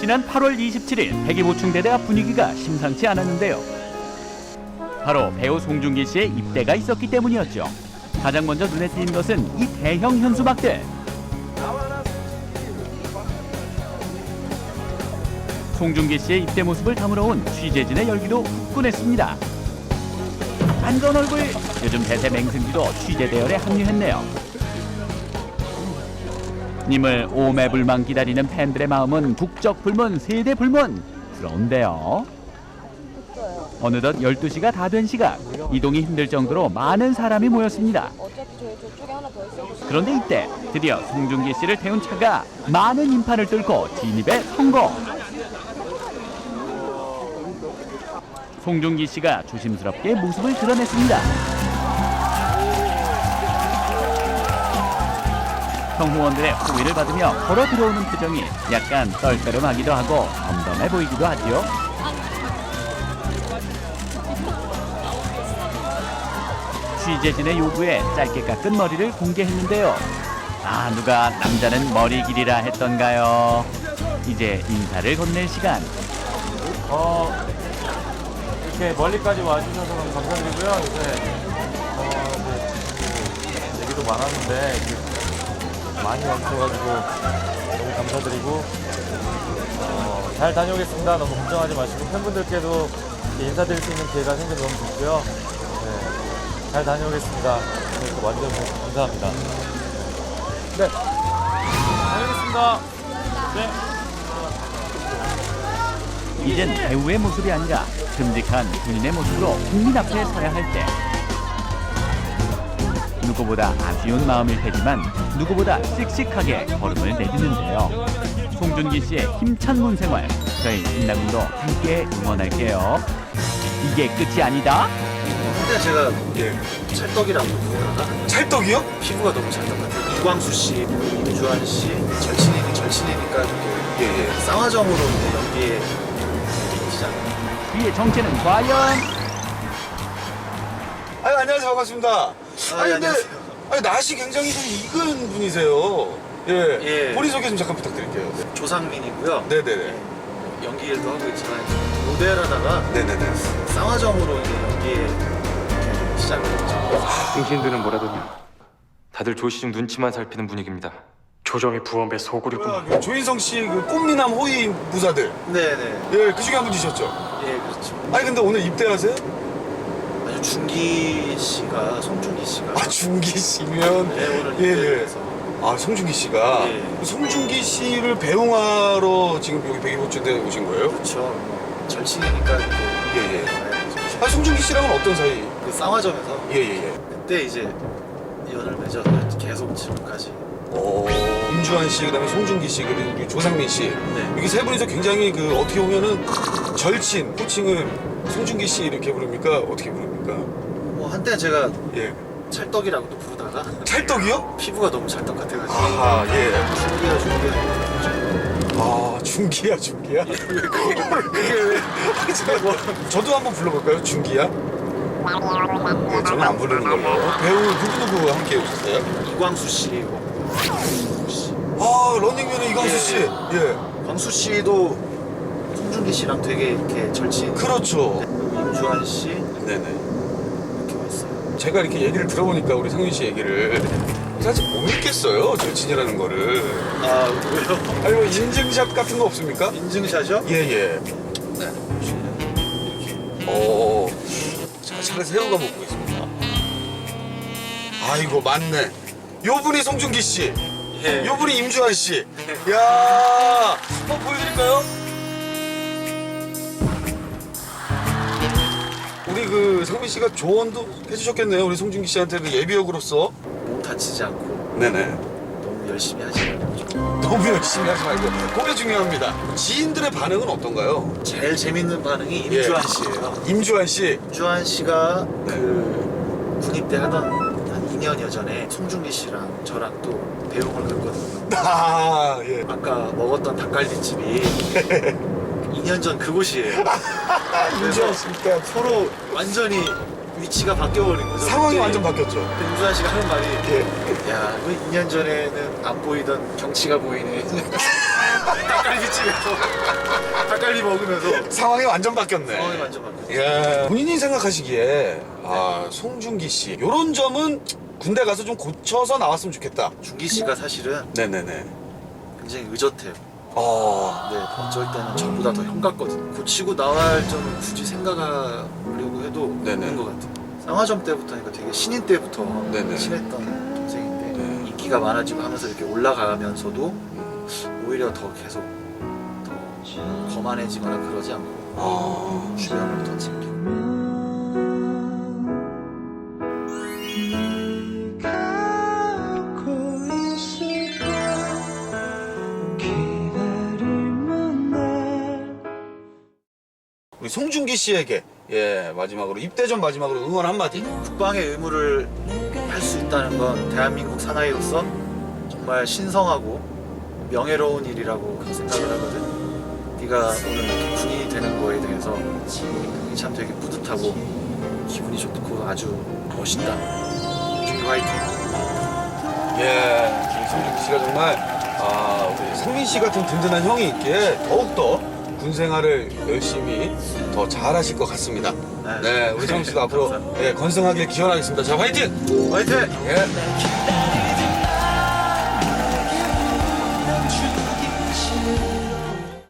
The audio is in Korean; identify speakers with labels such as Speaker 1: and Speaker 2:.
Speaker 1: 지난 8월 27일 백이보충대대 앞 분위기가 심상치 않았는데요. 바로 배우 송중기 씨의 입대가 있었기 때문이었죠. 가장 먼저 눈에 띈 것은 이 대형 현수막들. 송중기 씨의 입대 모습을 담으러 온 취재진의 열기도 후끈했습니다. 반가운 얼굴, 요즘 대세 맹승기도 취재 대열에 합류했네요. 님을 오매불망 기다리는 팬들의 마음은 북적불문, 세대불문스러운데요. 어느덧 12시가 다 된 시각, 이동이 힘들 정도로 많은 사람이 모였습니다. 그런데 이때 드디어 송중기 씨를 태운 차가 많은 인파를 뚫고 진입에 성공. 송중기 씨가 조심스럽게 모습을 드러냈습니다. 성후원들의 호의를 받으며 걸어 들어오는 표정이 약간 떨떠름하기도 하고 덤덤해 보이기도 하죠. 취재진의 요구에 짧게 깎은 머리를 공개했는데요. 아, 누가 남자는 머리 길이라 했던가요? 이제 인사를 건넬 시간.
Speaker 2: 이렇게 멀리까지 와주셔서 너무 감사드리고요. 얘기도 많았는데 많이 와주셔가지고 너무 감사드리고 잘 다녀오겠습니다. 너무 걱정하지 마시고 팬분들께도 인사드릴 수 있는 기회가 생겨서 너무 좋고요. 잘 다녀오겠습니다. 오늘 또 와주셔서 감사합니다. 네, 다녀오겠습니다. 네.
Speaker 1: 이젠 배우의 모습이 아니라 듬직한 군인의 모습으로 국민 앞에 서야 할 때, 누구보다 아쉬운 마음일 테지만 누구보다 씩씩하게 걸음을 내딛는데요. 송중기 씨의 힘찬 군 생활, 저희 신나군도 함께 응원할게요. 이게 끝이 아니다.
Speaker 3: 근데 제가 찰떡이라고 부르다가
Speaker 4: 찰떡이요?
Speaker 3: 피부가 너무 찰떡 같아요. 이광수 씨, 임주환 씨, 절친이니까 이렇게 쌍화점으로 연기에 시작.
Speaker 1: 그의 정체는 과연?
Speaker 4: 안녕하세요. 반갑습니다. 근데
Speaker 3: 안녕하세요.
Speaker 4: 낯이 굉장히 좀 익은 분이세요.
Speaker 3: 예.
Speaker 4: 본인 소개 좀 잠깐 부탁드릴게요.
Speaker 3: 조상민이고요.
Speaker 4: 네네네.
Speaker 3: 연기 일도 하고 있지만 모델하다가
Speaker 4: 네네네.
Speaker 3: 쌍화점으로 이제 연기에 이렇게 시작을 했죠.
Speaker 5: 당신들은 뭐라더냐? 다들 조시중 눈치만 살피는 분위기입니다.
Speaker 6: 조정의 부엄의 소굴이구만.
Speaker 4: 조인성 씨 그 꽃미남 호위 무사들.
Speaker 3: 네네.
Speaker 4: 예, 그 중에 한 분이셨죠?
Speaker 3: 예, 그렇죠.
Speaker 4: 아니 근데 오늘 입대하세요?
Speaker 3: 아주 송중기 씨가
Speaker 4: 중기 씨면
Speaker 3: 네, 오늘
Speaker 4: 예,
Speaker 3: 입대해서
Speaker 4: 송중기 씨가
Speaker 3: 예.
Speaker 4: 송중기 씨를 배웅하러 지금 여기 백이보충대에 오신 거예요?
Speaker 3: 그렇죠. 절친이니까 이렇게
Speaker 4: 예. 송중기 씨랑은 어떤 사이?
Speaker 3: 그 쌍화점에서
Speaker 4: 예.
Speaker 3: 그때 이제 연을 맺어서 계속 지금까지.
Speaker 4: 임주환 씨, 그다음에 송중기 씨, 그리고 우리 조상민 씨.
Speaker 3: 네.
Speaker 4: 이게 세 분이서 굉장히 그 어떻게 보면은 절친, 호칭을 송중기 씨 이렇게 부릅니까? 어떻게 부릅니까?
Speaker 3: 뭐 한때 제가
Speaker 4: 예.
Speaker 3: 찰떡이라고도 부르다가
Speaker 4: 찰떡이요?
Speaker 3: 피부가 너무 찰떡 같아가지고
Speaker 4: 아하, 예.
Speaker 3: 중기야.
Speaker 4: 중기야?
Speaker 3: 그게 왜?
Speaker 4: 저도 한번 불러볼까요? 중기야? 네, 저는 안 부르는 걸로. 배우 누구 함께 오셨어요?
Speaker 3: 이광수 씨,
Speaker 4: 런닝맨의 이광수 씨. 예.
Speaker 3: 광수 씨도 송중기 씨랑 되게 이렇게 절친.
Speaker 4: 그렇죠.
Speaker 3: 임주환 씨
Speaker 4: 네네.
Speaker 3: 이렇게 왔어요.
Speaker 4: 제가 이렇게 얘기를 들어보니까 우리 상윤 씨 얘기를 사실 못 믿겠어요. 절친이라는 거를.
Speaker 3: 아 왜요?
Speaker 4: 아니 뭐 인증샷 같은 거 없습니까?
Speaker 3: 인증샷이요?
Speaker 4: 예.
Speaker 3: 네.
Speaker 4: 자, 차를 새우가 먹고 있습니다. 아이고 맞네. 요 분이 송중기 씨.
Speaker 3: 예.
Speaker 4: 요 분이 임주환 씨. 야, 한번 보여드릴까요? 우리 그 상민 씨가 조언도 해주셨겠네요. 우리 송중기 씨한테 그 예비역으로서.
Speaker 3: 몸 다치지 않고
Speaker 4: 네네.
Speaker 3: 너무 열심히 하지 말고
Speaker 4: 너무 열심히 하지 말고. 그게 중요합니다. 지인들의 반응은 어떤가요?
Speaker 3: 제일 재밌는 반응이 임주환 씨예요.
Speaker 4: 임주환 씨.
Speaker 3: 임주환 씨가
Speaker 4: 네.
Speaker 3: 그 군입대 하던 한 2년여 전에 송중기 씨랑 저랑 또 배웅을 했거든요.
Speaker 4: 예.
Speaker 3: 아까 먹었던 닭갈비집이 2년 전 그곳이에요.
Speaker 4: 임주환 씨니까
Speaker 3: 서로 완전히 위치가 바뀌어버린 거죠.
Speaker 4: 상황이
Speaker 3: 그때
Speaker 4: 완전 바뀌었죠.
Speaker 3: 임주환 씨가 하는 말이
Speaker 4: 예.
Speaker 3: 야, 왜 2년 전에는 안 보이던 경치가 보이네. 닭갈비집에서 닭갈비 먹으면서
Speaker 4: 상황이 완전 바뀌었네.
Speaker 3: 상황이 완전 바뀌었어요.
Speaker 4: 예. 본인이 생각하시기에 송중기 씨 요런 점은 군대 가서 좀 고쳐서 나왔으면 좋겠다.
Speaker 3: 준기 씨가 사실은
Speaker 4: 네네네.
Speaker 3: 굉장히 의젓해요.
Speaker 4: 어.
Speaker 3: 네, 어쩔 때는 저보다 더 형 같거든요. 고치고 나갈 점을 굳이 생각하려고 해도
Speaker 4: 네네.
Speaker 3: 없는 것 같아요. 쌍화점 때부터니까 되게 신인 때부터
Speaker 4: 네네.
Speaker 3: 친했던 동생인데
Speaker 4: 네.
Speaker 3: 인기가 많아지고 하면서 이렇게 올라가면서도 오히려 더 계속 더 거만해지거나 그러지 않고 주변을 더 챙기고.
Speaker 4: 우리 송중기 씨에게 마지막으로 입대 전 마지막으로 응원 한마디.
Speaker 3: 국방의 의무를 할 수 있다는 건 대한민국 사나이로서 정말 신성하고 명예로운 일이라고 생각을 하거든. 네가 오늘 이렇게 군인이 되는 거에 대해서 그게 참 되게 뿌듯하고 기분이 좋고 아주 멋있다. 준기 화이팅.
Speaker 4: 우리 송중기 씨가 정말 우리 상민 씨 같은 든든한 형이 있기에 더욱더 군 생활을 열심히 더 잘하실 것 같습니다. 네, 우리 상민 씨도 앞으로 건승하길 기원하겠습니다. 자, 화이팅!
Speaker 3: 화이팅!
Speaker 4: 예.